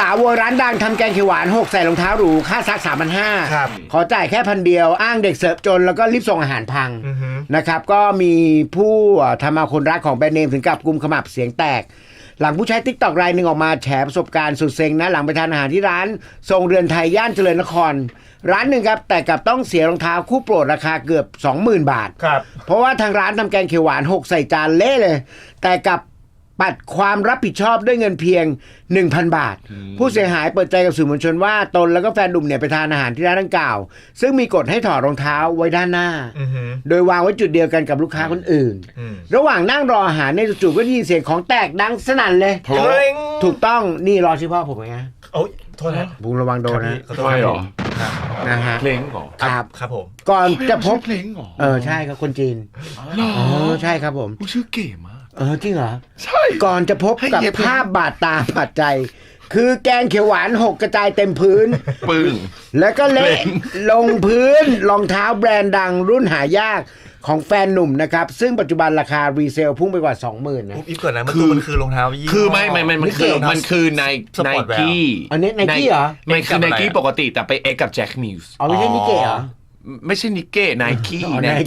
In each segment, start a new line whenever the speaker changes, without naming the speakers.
าวโวยร้านดังทำแกงเขียวหวาน6ใส่รองเท้าหรูค่าซัก 3,500
ครับ
ขอจ่ายแค่1,000 เดียวอ้างเด็กเสิร์ฟจนแล้วก็รีบส่งอาหารพังนะครับก็มีผู้ทำเอาคนรักของแบรนด์เนมถึงกับกุมขมับเสียงแตกหลังผู้ใช้ TikTok รายหนึ่งออกมาแฉประสบการณ์สุดเซ็งนะหลังไปทานอาหารที่ร้านทรงเรือนไทยย่านเจริญนครร้านหนึ่งครับแต่กลับต้องเสียรองเท้าคู่โปรดราคาเกือบ 20,000 บาท
ครับ
เพราะว่าทางร้านทำแกงเขียวหวาน6ใส่จานเละเลยแต่กับปัดความรับผิดชอบด้วยเงินเพียง 1,000 บาทผู้เสียหายเปิดใจกับสื่อมวลชนว่าตนแล้วก็แฟนหนุ่มเนี่ยไปทานอาหารที่ร้านดังกล่าวซึ่งมีกฎให้ถอดรองเท้าไว้ด้านหน้าโดยวางไว้จุดเดียวกันกับลูกค้าคนอื่นระหว่างนั่งรออาหารในจู่ๆก็ได้ยินเสียงของแตกดังสนั่นเลยถูกต้องนี่รอชื่อพ่อผมไง
โอ้ยโทษนะ
บุงระวังโดนนะ
ทำไมหรอ
นะฮะ
เพลงหรอ
ครับผม
ก่อนจะพบ
เพลงหรอ
ใช่ครับคนจีนใช่ครับผม
ชื่อเก๋มาก
จริงเหรอ
ใช่
ก่อนจะพบกับภาพบาดตาบาดใจคือแกงเขียวหวาน6กระจายเต็มพื้น
ปึ้ง
แล้วก็เละลงพื้นรองเท้าแบรนด์ดังรุ่นหายากของแฟนหนุ่มนะครับซึ่งปัจจุบันราคารีเซลพุ่งไปกว่า 20,000 นะ
อีกก่อนนะมันคือรองเท้ายี่
คือมันคือไนกี้
อันนี้ไนกี้เหรอ
มันคือไนกี้ปกติแต่ไปเอ็กกับแจ็คมิวส์
ไม่ใช่นิเก้เหรอ
ไม่ใช่นิเก้ไนกี้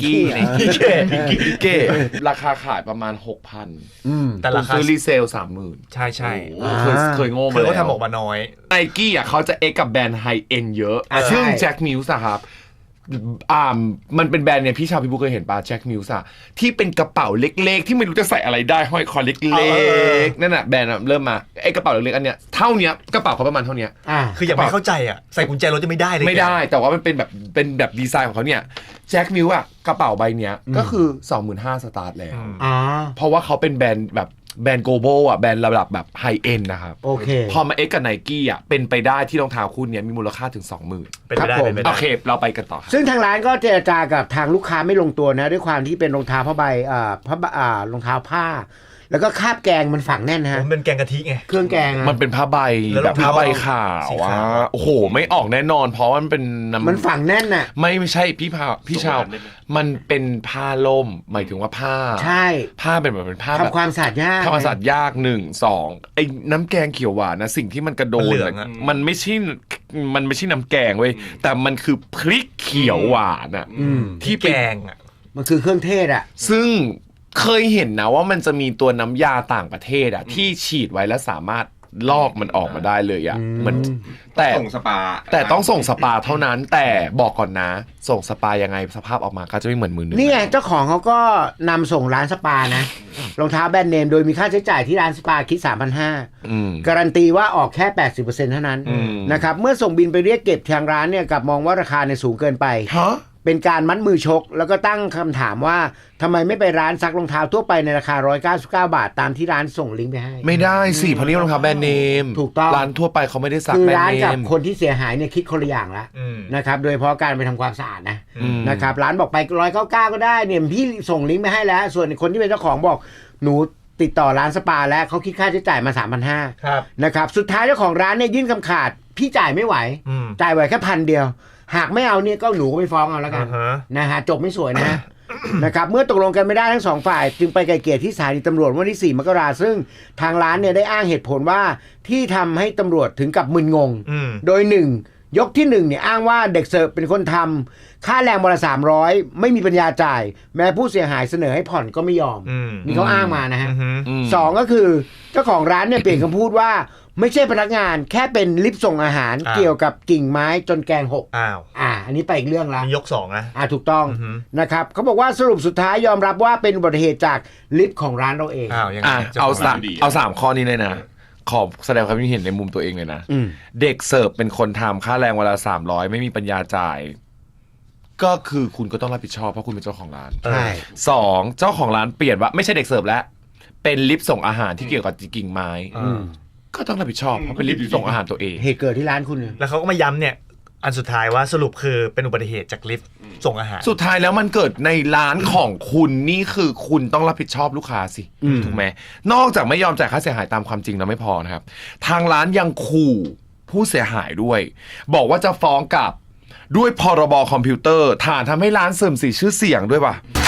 ราคาขายประมาณ 6,000
แต่ราคา
ซื้อรีเซล 30,000
ใช่ใช่
เคยโง่มาแล้ว
เขาทำออกมาน้อย
ไนกี้เขาจะเอ็กกับแบรนด์ไฮเอ็นเยอะซึ่งแจ็คมิวส์ครับมันเป็นแบรนด์เนี่ยพี่ชาวพี่บุ๊คเคยเห็นป่ะแจ็คมิวส์ที่เป็นกระเป๋าเล็กๆที่ไม่รู้จะใส่อะไรได้ห้อยคอเล็กๆนั่นน่ะแบรนด์เริ่มมาไอ้กระเป๋าเล็กๆอันเนี้ยเท่านี้กระเป๋าเขาประมาณเท่านี้
คืออย่างไม่เข้าใจใส่กุญแจรถจะไม่ได้เลย
ไม่ได้แต่ว่ามันเป็นแบบดีไซน์ของเขาเนี่ยแจ็คมิวส์กระเป๋าใบเนี้ยก็คือ 25,000 สตาร์ทแล้วเพราะว่าเขาเป็นแบรนด์แบบแบรนด์โกลบอลแบรนด์ระดับแบบไฮเอ็นนะครับ
โอเค
พอมาเอ็กกับไนกี้เป็นไปได้ที่รองเท้าคู่นี้มีมูลค่าถึง 20,000
เป็นไปได้
โอเคเราไปกันต่อ
ซึ่งทางร้านก็เจรจากับทางลูกค้าไม่ลงตัวนะด้วยความที่เป็นรองเท้าผ้าใบรองเท้าผ้าแล้วก็คาบแกงมันฝังแน่นฮะ
มันเป็นแกงกะทิไง
เครื่องแกง
มันเป็นผ้าใบแบบผ้าใบขาวโอ้โหไม่ออกแน่นอนเพราะว่ามันเป็น
มันฝังแน่นน่ะ
ไม่ใช่พี่ชาวมันเป็นผ้าล่มหมายถึงว่าผ้า
ใช่
ผ้าเป็นแบบเป็นผ้า
ทำความสะอาดยาก
ทำความสะอาดยาก1 2ไอ้น้ำแกงเขียวหวานนะสิ่งที่มันกระโดดมันไม่ใช่น้ำแกงเว้ยแต่มันคือพริกเขียวหวาน
ที่แกง
มันคือเครื่องเทศ
ซึ่งเคยเห็นนะว่ามันจะมีตัวน้ำยาต่างประเทศที่ฉีดไว้แล้วสามารถลอกมันออกมาได้เลยมันแต่
ส่งสปา
แต่ต้องส่งสปาเท่านั้นแต่บอกก่อนนะส่งสปายังไงสภาพออกมาก็จะไม่เหมือนมือหนึ่ง
นี่ไงเจ้าของเขาก็นำส่งร้านสปานะรองเท้าแบรนด์เนมโดยมีค่าใช้จ่ายที่ร้านสปาคิด 3,500 การันตีว่าออกแค่ 80% เท่านั้นนะครับเมื่อส่งบินไปเรียกเก็บทางร้านเนี่ยกับมองว่าราคาเนี่ยสูงเกินไปเป็นการมัดมือชกแล้วก็ตั้งคำถามว่าทำไมไม่ไปร้านซักรองเท้าทั่วไปในราคา199 บาทตามที่ร้านส่งลิงก์ไปให้
ไม่ได้สิเพราะนี่รองเท้าแบรนด์เนม
ถูกต้อง
ร้านทั่วไปเขาไม่ได้ซัก
แบรนด์เนมคือร้านกับคนที่เสียหายเนี่ยคิดคนละอย่างละนะครับโดยเฉพาะการไปทำความสะอาดนะครับร้านบอกไป199ก็ได้เนี่ยพี่ส่งลิงก์ไปให้แล้วส่วนคนที่เป็นเจ้าของบอกหนูติดต่อร้านสปาแล้วเขาคิดค่าใช้จ่ายมา 3,500 นะครับสุดท้ายเจ้าของร้านเนี่ยยื่นคำขาดพี่จ่ายไม่ไหวจ่ายไหวแค่1,000 เดียวหากไม่เอาเนี่ยก็หนูก็ไปฟ้องเอาแล้วกันนะฮะจบไม่สวยนะนะครับเมื่อตกลงกันไม่ได้ทั้ง2ฝ่ายจึงไปไกลเกลี่ยที่สถานีตำรวจวันที่4 มกราคมซึ่งทางร้านเนี่ยได้อ้างเหตุผลว่าที่ทำให้ตำรวจถึงกับมึนงงโดย1ยกที่1เนี่ยอ้างว่าเด็กเสิร์ฟเป็นคนทำค่าแรงวันละ300ไม่มีปัญญาจ่ายแม้ผู้เสียหายเสนอให้ผ่อนก็ไม่ยอมนี่เขาอ้างมานะฮะ2ก็คือเจ้าของร้านเนี่ยเปลี่ยนคำพูดว่าไม่ใช่พนักงานแค่เป็นลิฟต์ส่งอาหารเกี่ยวกับกิ่งไม้จนแกงหกอันนี้ไปอีกเรื่องละ
ยก2นะ
ถูกต้องนะครับเขาบอกว่าสรุปสุดท้ายยอมรับว่าเป็นอุบัติเหตุจากลิฟต์ของร้านเราเอง
เอา3 ข้อนี้เลยนะขอแสดงความคิดเห็นในมุมตัวเองเลยนะเด็กเสิร์ฟเป็นคนทำค่าแรงวันละ300ไม่มีปัญญาจ่ายก็คือคุณก็ต้องรับผิดชอบเพราะคุณเป็นเจ้าของร้าน
ใช่
2เจ้าของร้านเปลี่ยนว่าไม่ใช่เด็กเสิร์ฟแล้วเป็นลิฟต์ส่งอาหารที่เกี่ยวกับกิ่งไม้ก็ต้องรับผิดชอบเพราะเป็นลิฟต์ส่งอาหารตัวเอง
เหตุเกิดที่ร้านคุณ
แล้วเขาก็มาย้ำเนี่ยอันสุดท้ายว่าสรุปคือเป็นอุบัติเหตุจากลิฟต์ส่งอาหาร
สุดท้ายแล้วมันเกิดในร้านของคุณนี่คือคุณต้องรับผิดชอบลูกค้าสิถูกไหมนอกจากไม่ยอมจ่ายค่าเสียหายตามความจริงแล้วไม่พอนะครับทางร้านยังขู่ผู้เสียหายด้วยบอกว่าจะฟ้องกลับด้วยพรบคอมพิวเตอร์ฐานทำให้ร้านเสื่อมเสียชื่อเสียงด้วยป่ะ